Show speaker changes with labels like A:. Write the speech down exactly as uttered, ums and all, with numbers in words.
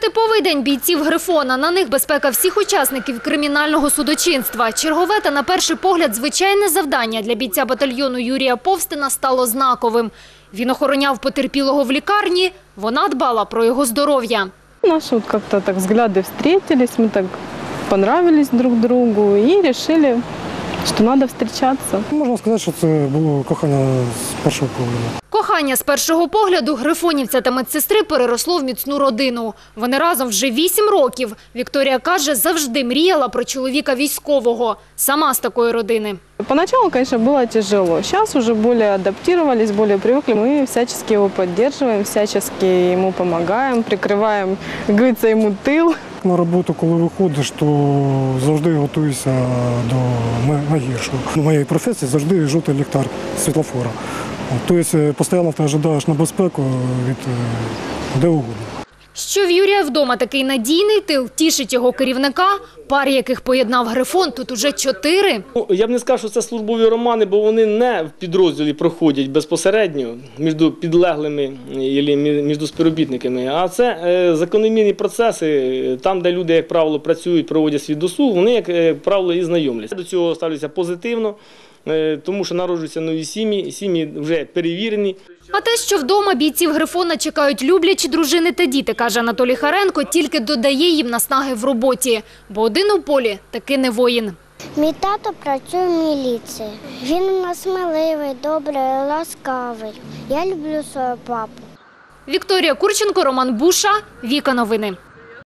A: Нетиповий день бійців «Грифона». На них безпека всіх учасників кримінального судочинства. Чергове та, на перший погляд, звичайне завдання для бійця батальйону Юрія Повстина стало знаковим. Він охороняв потерпілого в лікарні, вона дбала про його здоров'я.
B: Наши вот как-то так взгляды встретились, мы так понравились друг другу и решили, что надо встречаться.
C: Можна сказати, що це було кохання з першого погляду.
A: Кохання з першого погляду грифонівця та медсестри переросло в міцну родину. Вони разом вже вісім років. Вікторія каже, завжди мріяла про чоловіка військового. Сама з такої родини.
B: Поначалу, конечно, было тяжело. Сейчас уже более адаптировались, более привыкли. Мы всячески его поддерживаем, всячески ему помогаем, прикрываем, как говорится, ему тыл.
C: На роботу, коли виходиш, то завжди готуюся до найгіршого. У моєї професії завжди жовтий ліхтар світлофора. Тобто постійно ти очікуєш на безпеку від де угодно.
A: Що в Юрія вдома такий надійний тил, тішить його керівника. Пар, яких поєднав «Грифон», тут уже чотири.
D: Я б не сказав, що це службові романи, бо вони не в підрозділі проходять безпосередньо між підлеглими або між співробітниками, а це закономірні процеси, там, де люди, як правило, працюють, проводять свій досуг, вони, як правило, і знайомляться. До цього ставляться позитивно, тому що народжуються нові сім'ї, сім'ї вже перевірені.
A: А те, що вдома бійців «Грифона» чекають люблячі дружини та діти, каже Анатолій Харенко, тільки додає їм наснаги в роботі. Бо один у полі таки не воїн.
E: Мій тато працює в міліції. Він у нас сміливий, добрий, ласкавий. Я люблю свого папу.
A: Вікторія Курченко, Роман Буша, Віка Новини.